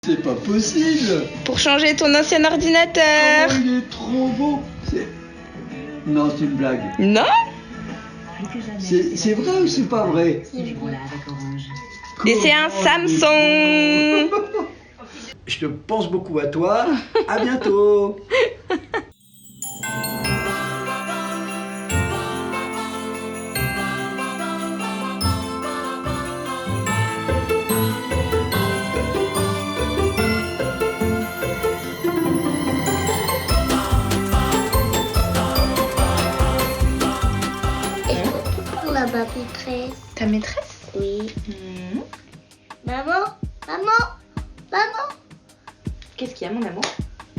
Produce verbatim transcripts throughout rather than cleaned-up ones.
C'est pas possible. Pour changer ton ancien ordinateur. Oh, il est trop beau. C'est... Non, c'est une blague. Non. C'est, c'est vrai ou c'est pas vrai? Et c'est un Samsung. Je te pense beaucoup à toi. À bientôt. Ma maîtresse. Ta maîtresse? Oui. Mmh. Maman, maman, maman. Qu'est-ce qu'il y a, mon amour?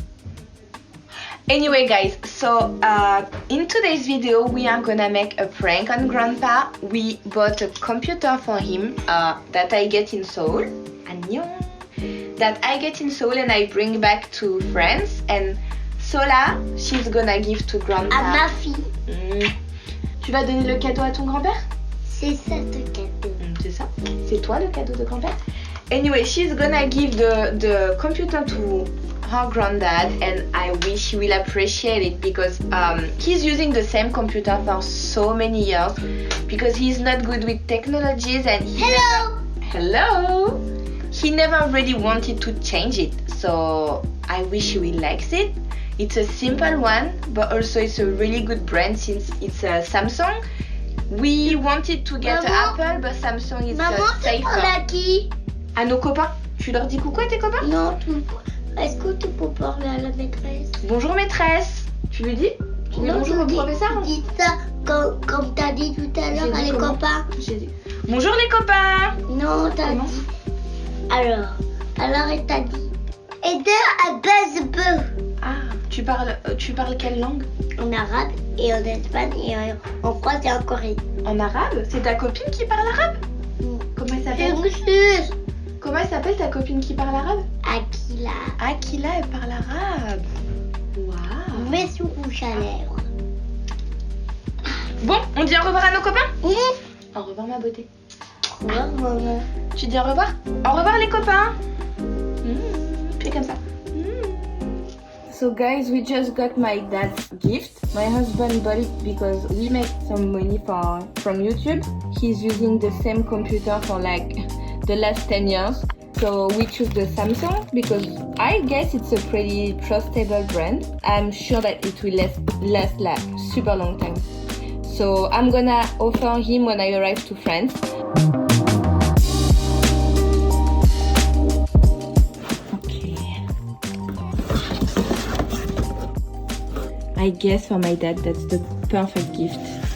Anyway, guys, so uh, in today's video, we are gonna make a prank on Grandpa. We bought a computer for him uh, that I get in Seoul. Annyeong. That I get in Seoul and I bring back to France. And Sola, she's gonna give to Grandpa. À ma fille. Mm. Tu vas donner le cadeau à ton grand-père? C'est ça le cadeau. Mm, c'est ça? C'est toi le cadeau de grand-père? Anyway, she's gonna give the, the computer to her granddad and I wish he will appreciate it because um, he's using the same computer for so many years because he's not good with technologies and he Hello! Hello! He never really wanted to change it, so I wish he will likes it. It's a simple one, but also it's a really good brand since it's a Samsung. We wanted to get Maman, Apple, but Samsung is Maman, uh, tu parles safer. à qui? À nos copains. Tu leur dis coucou à tes copains? Non, tu... est-ce que tu peux parler à la maîtresse? Bonjour maîtresse. Tu lui dis? Tu dis Non, bonjour tu au dis- professeur? tu dis ça comme, comme t'as dit tout à l'heure J'ai à dit les comment? copains. J'ai dit. Bonjour les copains. Non, t'as Comment? dit. Alors, alors elle t'a dit. Et deux, elle baise peu. Ah, tu parles, euh, tu parles quelle langue? En arabe et en espagnol et en, en français et en coréen. En arabe? C'est ta copine qui parle arabe? Comment elle s'appelle? Monsieur Comment elle s'appelle ta copine qui parle arabe? Akila. Akila, elle parle arabe. Waouh. Mets son rouge à lèvres. Bon, on dit au revoir à nos copains? Mmh. Au revoir ma beauté. Au revoir, maman. Tu dis au revoir? Au revoir les copains. Mmh. Fais comme ça. So guys, we just got my dad's gift. My husband bought it because we make some money for from YouTube. He's using the same computer for like the last ten years. So we choose the Samsung because I guess it's a pretty trustable brand. I'm sure that it will last, last like super long time. So I'm gonna offer him when I arrive to France. I guess for my dad that's the perfect gift.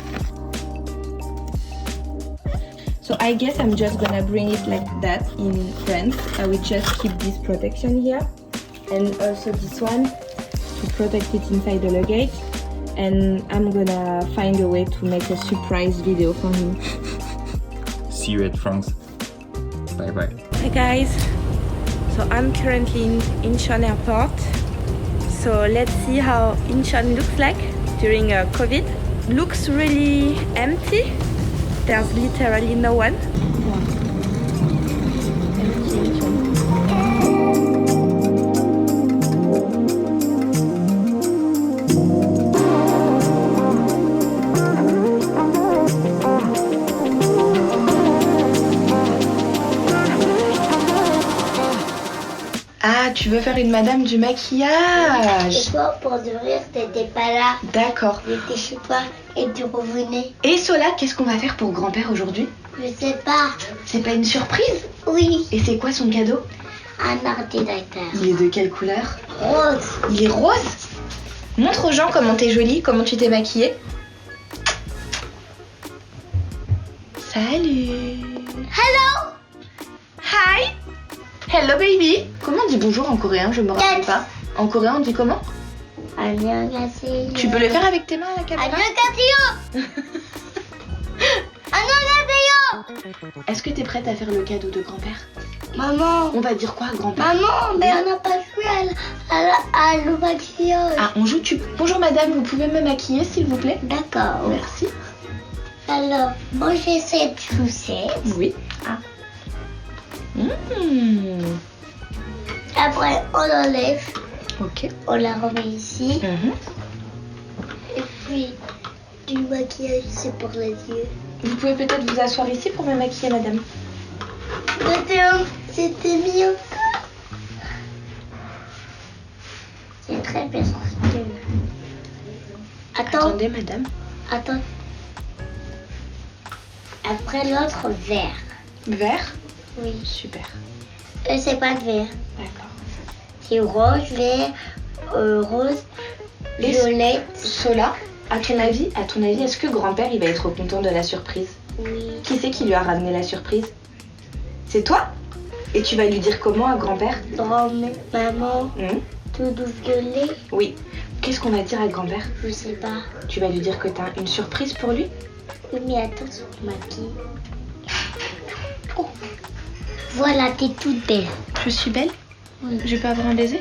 So I guess I'm just gonna bring it like that in France. I will just keep this protection here and also this one to protect it inside the luggage. And I'm gonna find a way to make a surprise video for him. See you at France. Bye bye. Hi guys, so I'm currently in Incheon Airport. So let's see how Incheon looks like during uh, COVID. Looks really empty. There's literally no one. Ah, tu veux faire une madame du maquillage? Et toi, pour de rire, t'étais pas là. D'accord. J'étais chez toi et tu revenais. Et Sola, qu'est-ce qu'on va faire pour grand-père aujourd'hui? Je sais pas. C'est pas une surprise? Oui, Et c'est quoi son cadeau? un ordinateur. Il est de quelle couleur? Rose. Il est rose? Montre aux gens comment t'es jolie, comment tu t'es maquillée. Salut. Hello. Hi. Hello baby. Comment on dit bonjour en coréen? Je me rappelle Yes. pas. En coréen on dit comment? 안녕하세요. Tu peux le faire avec tes mains à la caméra? 안녕하세요. 안녕하세요. Est-ce que t'es prête à faire le cadeau de grand-père? Maman. On va dire quoi à grand-père? Maman, mais on n'a pas joué à, l- à, la- à le maquillage. Ah, on joue tu... Bonjour madame, vous pouvez me maquiller s'il vous plaît? D'accord. Merci. Alors, moi j'ai cette chaussette. Oui. Ah. Mmh. Après, on enlève. Ok. On la remet ici. Mhm. Et puis, du maquillage, c'est pour les yeux. Vous pouvez peut-être vous asseoir ici pour me maquiller, madame. Attends, c'était mis encore. C'est très bien. Attends, Attendez, madame. attends. Après l'autre, vert. Vert. Oui. Super. Euh, c'est pas de vert. D'accord. C'est rouge, vert, euh, rose, Et violette. Sola, à ton avis, à ton avis, est-ce que grand-père il va être content de la surprise? Oui. Qui c'est qui lui a ramené la surprise? C'est toi? Et tu vas lui dire comment à grand-père? Grand-mère, maman, Hmm. tout violet. Oui. Qu'est-ce qu'on va dire à grand-père? Je sais pas. Tu vas lui dire que t'as une surprise pour lui? Oui, mais attends, sur le maquille. Oh. Voilà, t'es toute belle. Je suis belle? Oui. Je peux avoir un baiser?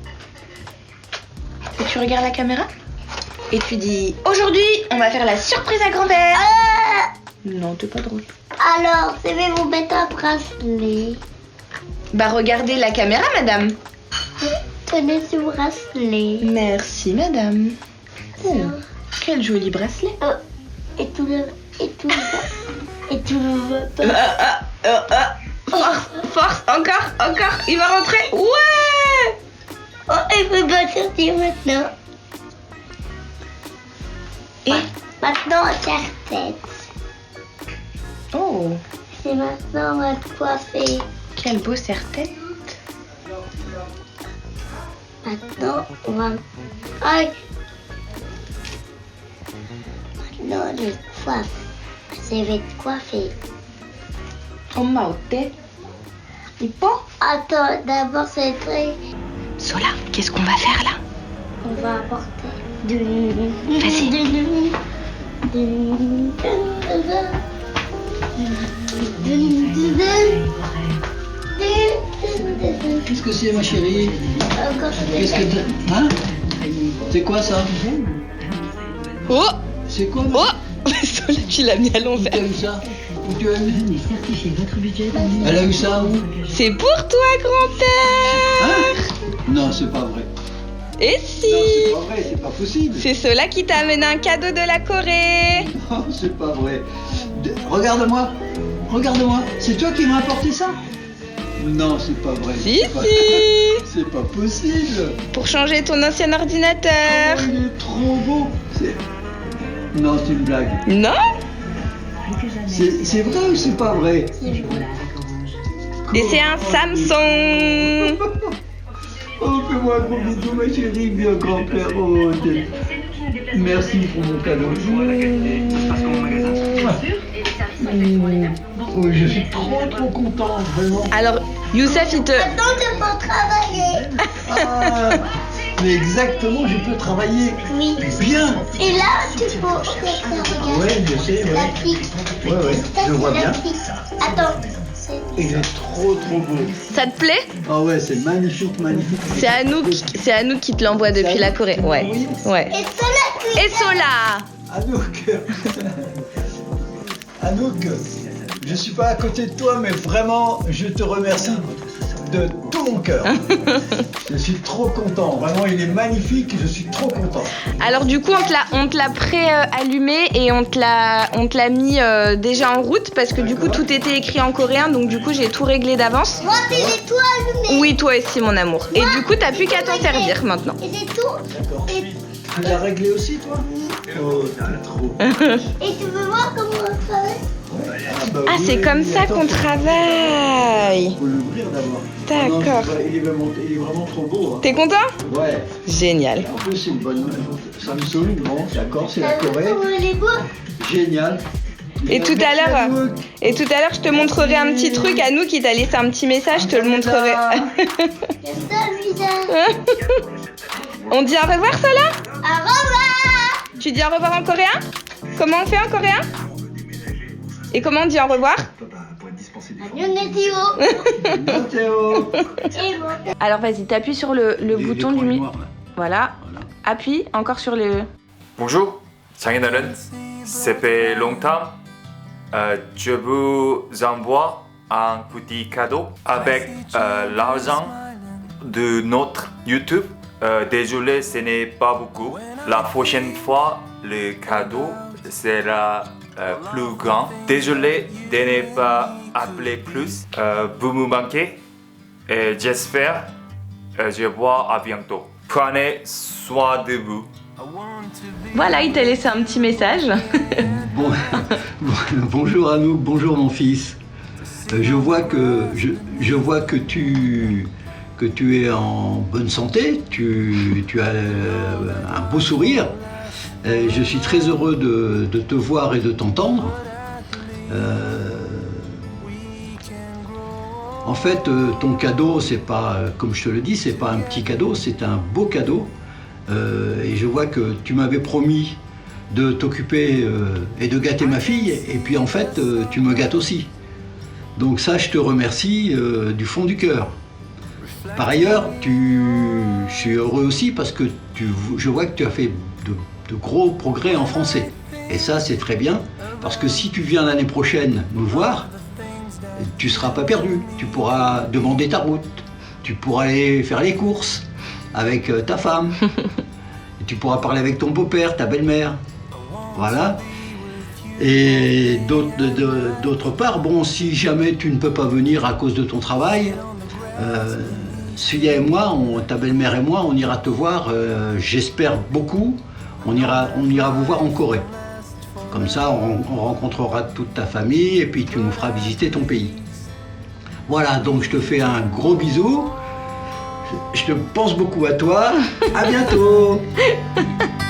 Et tu regardes la caméra? Et tu dis, aujourd'hui, on va faire la surprise à grand-père. Ah, Non, t'es pas drôle. alors, je vais vous mettre un bracelet. Bah regardez la caméra, madame. Tenez ce bracelet. Merci, madame. Oh, quel joli bracelet. Oh, et tout le... Et tout le... Et tout le... Ah, ah, ah, ah. Force, force, encore, encore. Il va rentrer. Ouais. Oh, il faut pas sortir maintenant. Et Maintenant, serre-tête. oh, C'est maintenant, on va te coiffer. quel beau serre-tête. Maintenant, on va... Aïe. Maintenant, je coiffe. Je vais te coiffer. Oh, maote. Il peut. Attends, d'abord, c'est très... Sola, qu'est-ce qu'on va faire là? On va apporter... Vas-y. Qu'est-ce que c'est, ma chérie? Qu'est-ce que t'as... Hein? C'est quoi ça? Oh, C'est quoi? oh. Sola, tu l'as mis à Où l'envers. t'as eu ça? Où tu as eu? Elle a eu ça où? C'est pour toi, grand-père. Hein? Non, c'est pas vrai. Et Non, si? c'est pas vrai, c'est pas possible. C'est Sola qui t'a amené un cadeau de la Corée. Non, c'est pas vrai. De- Regarde-moi, regarde-moi. C'est toi qui m'as apporté ça? Non, c'est pas vrai. Si, C'est pas- si. C'est pas possible. Pour changer ton ancien ordinateur. Oh, il est trop beau. C'est... Non, c'est une blague. Non? C'est, c'est vrai ou c'est pas vrai? Et c'est un Samsung. Oh, fais-moi un gros bisou, ma chérie, bien grand-père. Oh, t'es- merci pour mon cadeau. Oh, je suis trop, trop content, vraiment. Alors, Youssef, il te... Maintenant, tu peux travailler. Ah, mais exactement, je peux travailler Oui. bien. Et là, tu peux... Regarde. Ouais, je sais, La ouais. clique. Ouais, ouais, Ça, je c'est vois la bien. clique. Attends. C'est- Il est trop, trop beau. Ça te plaît? Ah ouais, c'est magnifique, magnifique. C'est Anouk, c'est Anouk qui te l'envoie depuis la Corée. Ouais, ouais. Et ça, la clique. Et Sola. Anouk, Anouk, je suis pas à côté de toi, mais vraiment, je te remercie de tout mon cœur. Je suis trop content. Vraiment, il est magnifique. Je suis trop content. Alors du coup, on te l'a, on te l'a pré-allumé et on te l'a, on te l'a mis euh, déjà en route parce que du coup, tout était écrit en coréen. Donc du coup, j'ai tout réglé d'avance. Moi, c'est les toits allumés. Oui, toi aussi, mon amour. Et du coup, t'as plus qu'à t'en servir maintenant. Et c'est tout. D'accord. Et, Tu l'as réglé aussi, toi? Oh, t'es trop. et tu veux voir comment on travaille? Ah, bah Ah, oui, c'est comme mais ça attends, qu'on faut- Il travaille. faut l'ouvrir d'abord. D'accord. Ah non, il, est vraiment, il est vraiment trop beau. Hein. T'es content? Ouais. Génial. En plus, c'est une bonne Samsung. Bon, d'accord, c'est la T'as vu Corée. comment il est beau? Génial. Et tout à Merci, l'heure, Anouk. et tout à l'heure, je te montrerai un petit truc. Anouk qui t'a laissé un petit message, je te le montrerai. C'est ça le visage. On dit au revoir, Sola? Au revoir. Tu dis au revoir en coréen? Comment on fait en coréen? Et comment on dit au revoir? Annyeonghaseyo. Mathéo. Et bon. Alors vas-y, t'appuies sur le, le Les- bouton les du points mi. noirs, là. Voilà. Voilà. Appuie encore sur le. Bonjour, 장인어른. Ça fait longtemps. Euh, je vous envoie un petit cadeau avec euh, l'argent de notre YouTube. Euh, désolé, ce n'est pas beaucoup. La prochaine fois, le cadeau sera euh, plus grand. Désolé de ne pas appeler plus. Euh, vous me manquez. Et j'espère euh, je vous vois à bientôt. Prenez soin de vous. Voilà, il t'a laissé un petit message. Bon, bonjour Anouk, bonjour mon fils. Euh, je vois que je, je vois que tu que tu es en bonne santé, tu, tu as euh, un beau sourire. Euh, je suis très heureux de, de te voir et de t'entendre. Euh, en fait, euh, ton cadeau, c'est pas, euh, comme je te le dis, c'est pas un petit cadeau, c'est un beau cadeau. Euh, et je vois que tu m'avais promis de t'occuper euh, et de gâter ma fille, et puis en fait, euh, tu me gâtes aussi. Donc ça, je te remercie euh, du fond du cœur. Par ailleurs, tu... je suis heureux aussi parce que tu... je vois que tu as fait de, de gros progrès en français. Et ça, c'est très bien, parce que si tu viens l'année prochaine nous voir, tu ne seras pas perdu. Tu pourras demander ta route, tu pourras aller faire les courses avec ta femme, et tu pourras parler avec ton beau-père, ta belle-mère. Voilà. Et d'autre part, bon, si jamais tu ne peux pas venir à cause de ton travail, euh, Suya et moi, on, ta belle-mère et moi, on ira te voir, euh, j'espère beaucoup, on ira, on ira vous voir en Corée. Comme ça, on, on rencontrera toute ta famille et puis tu nous feras visiter ton pays. Voilà, donc je te fais un gros bisou, je, je te pense beaucoup à toi, à bientôt.